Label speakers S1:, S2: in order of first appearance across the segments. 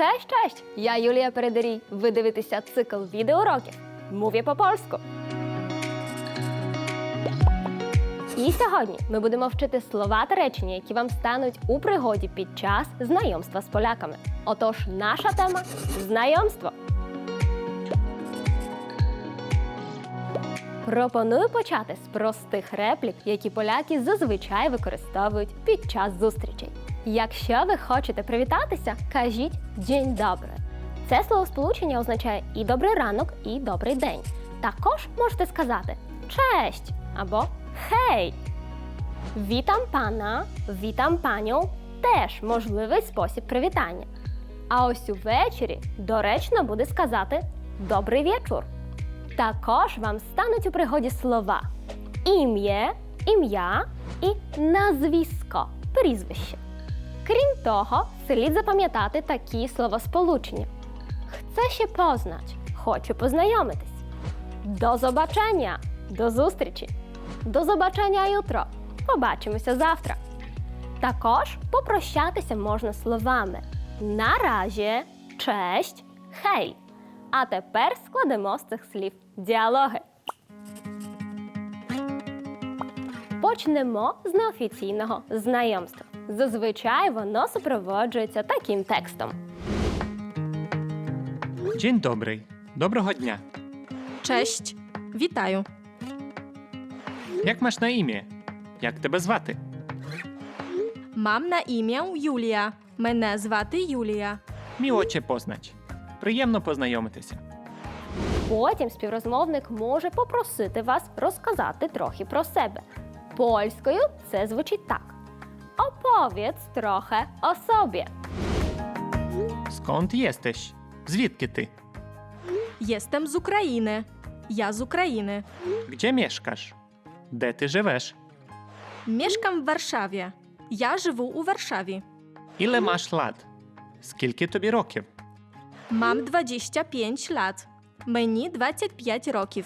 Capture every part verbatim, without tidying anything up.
S1: Cześć, cześć! Я Юлія Передарій. Ви дивитеся цикл відеоуроків «Mówię по польську». І сьогодні ми будемо вчити слова та речення, які вам стануть у пригоді під час знайомства з поляками. Отож, наша тема – знайомство. Пропоную почати з простих реплік, які поляки зазвичай використовують під час зустрічей. Якщо ви хочете привітатися, кажіть «Dzień dobry». Це словосполучення означає і «добрий ранок», і «добрий день». Також можете сказати «Cześć» або «Hej». «Witam pana», «Witam panią» – теж можливий спосіб привітання. А ось увечері доречно буде сказати «Добрий вечір». Також вам стануть у пригоді слова «ім'я», «ім'я» і «назвісько» – прізвище. Крім того, слід запам'ятати такі словосполучення. «Chcę się poznać», «хочу познайомитись». «До побачення», «до зустрічі». «До побачення jutro», «побачимося завтра». Також попрощатися можна словами «на раzie», «честь», «хей». А тепер складемо з цих слів діалоги. Почнемо з неофіційного знайомства. Зазвичай воно супроводжується таким текстом.
S2: Dzień dobry. Доброго дня.
S3: Cześć, вітаю.
S2: Як маєш на ім'я? Як тебе звати?
S3: Мам на ім'я Юлія. Мене звати Юлія.
S2: Міло че познать. Приємно познайомитися.
S1: Потім співрозмовник може попросити вас розказати трохи про себе. Польською це звучить так. Opowiedz trochę o sobie.
S2: Сконт єстеш? Звідки ти?
S3: Єстем з України. Я з України.
S2: Gdzie mieszkasz? Де ти живеш?
S3: Mieszkam w Warszawie. Я живу у Варшаві.
S2: Іле маш лат? Скільки тобі років?
S3: Мам двадцять п'ять лат. Мені двадцять п'ять років.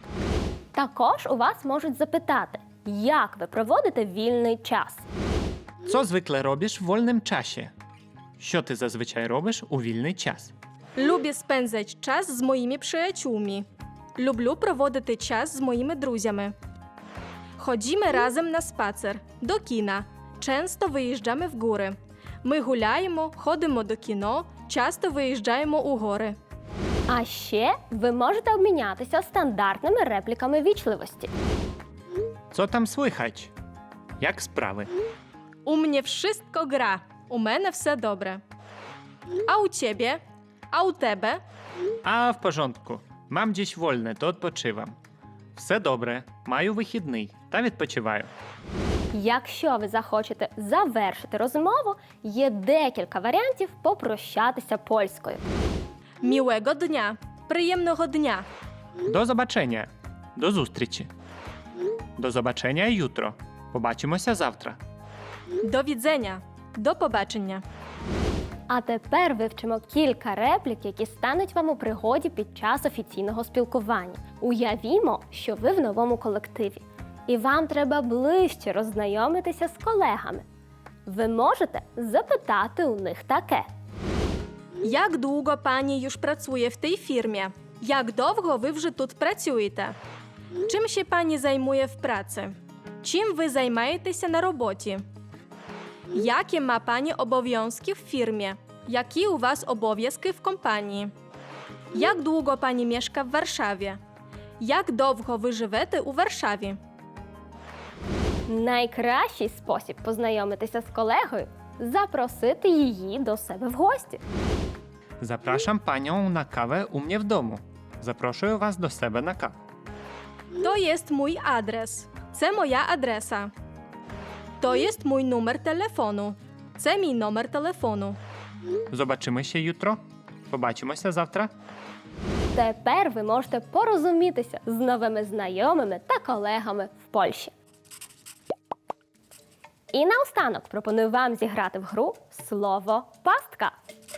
S1: Також у вас можуть запитати, як ви проводите вільний час.
S2: Co zwykle robisz w wolnym czasie? Що ти зазвичай робиш у вільний час?
S3: Люблю спензати час з моїми приятелями. Люблю проводити час з моїми друзями. Ходімо разом на спацер, до кіна. Часто виїжджаємо в гори. Ми гуляємо, ходимо до кіно, часто виїжджаємо у гори.
S1: А ще ви можете обмінятися стандартними репліками вічливості.
S2: Co tam słychać? Як справи?
S3: У мене wszystko gra. У мене все добре. А у тебе? А у тебе?
S2: А, в порządku. Mam dziś wolne, to odpoczywam. Все добре. Маю вихідний та відпочиваю.
S1: Якщо ви захочете завершити розмову, є декілька варіантів попрощатися польською.
S3: Miłego dnia. Приємного дня.
S2: До побачення. До зустрічі. До побачення jutro. Побачимося завтра.
S3: До відзення. До побачення.
S1: А тепер вивчимо кілька реплік, які стануть вам у пригоді під час офіційного спілкування. Уявімо, що ви в новому колективі, і вам треба ближче роззнайомитися з колегами. Ви можете запитати у них таке.
S3: Як довго пані już працює в тій фірмі? Як довго ви вже тут працюєте? Чим ще пані займує в праці? Чим ви займаєтеся на роботі? Jakie ma pani obowiązki w firmie? Які у вас обов'язки в компанії? Як довго пані mieszka w Warszawie? Як довго ви живете у Варшаві?
S1: Найкращий спосіб познайомитися з колегою – запросити її до себе в гості.
S2: Zapraszam panią na kawę u mnie w domu. Запрошую вас до себе на каву.
S3: То jest mój adres. Це моя адреса. То jest mój numer телефону. Це мій номер телефону.
S2: Побачимося jutro. Побачимося завтра.
S1: Тепер ви можете порозумітися з новими знайомими та колегами в Польщі. І наостанок пропоную вам зіграти в гру «Слово пастка».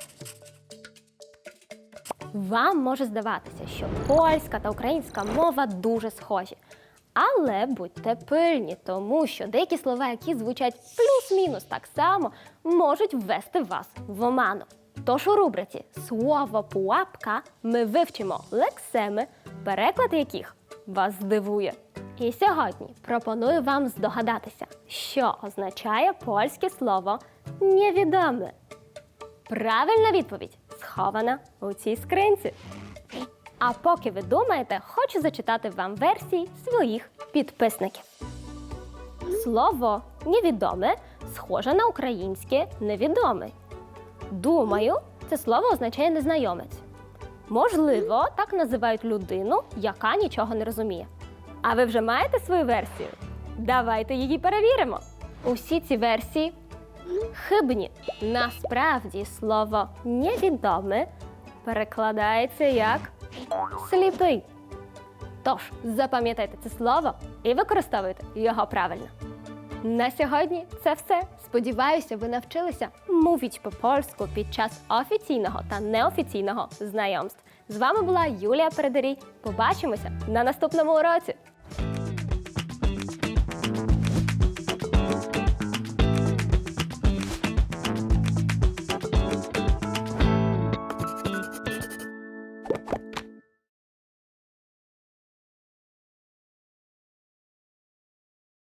S1: Вам може здаватися, що польська та українська мова дуже схожі. Але будьте пильні, тому що деякі слова, які звучать плюс-мінус так само, можуть ввести вас в оману. Тож у рубриці «Слово пуапка» ми вивчимо лексеми, переклад яких вас здивує. І сьогодні пропоную вам здогадатися, що означає польське слово «невідоме». Правильна відповідь схована у цій скринці. А поки ви думаєте, хочу зачитати вам версії своїх підписників. Слово «невідоме» схоже на українське «невідомий». Думаю, це слово означає незнайомець. Можливо, так називають людину, яка нічого не розуміє. А ви вже маєте свою версію? Давайте її перевіримо. Усі ці версії хибні. Насправді слово «невідоме» перекладається як «сліпий». Тож, запам'ятайте це слово і використовуйте його правильно. На сьогодні це все. Сподіваюся, ви навчилися мовити по-польську під час офіційного та неофіційного знайомств. З вами була Юлія Передарій. Побачимося на наступному уроці!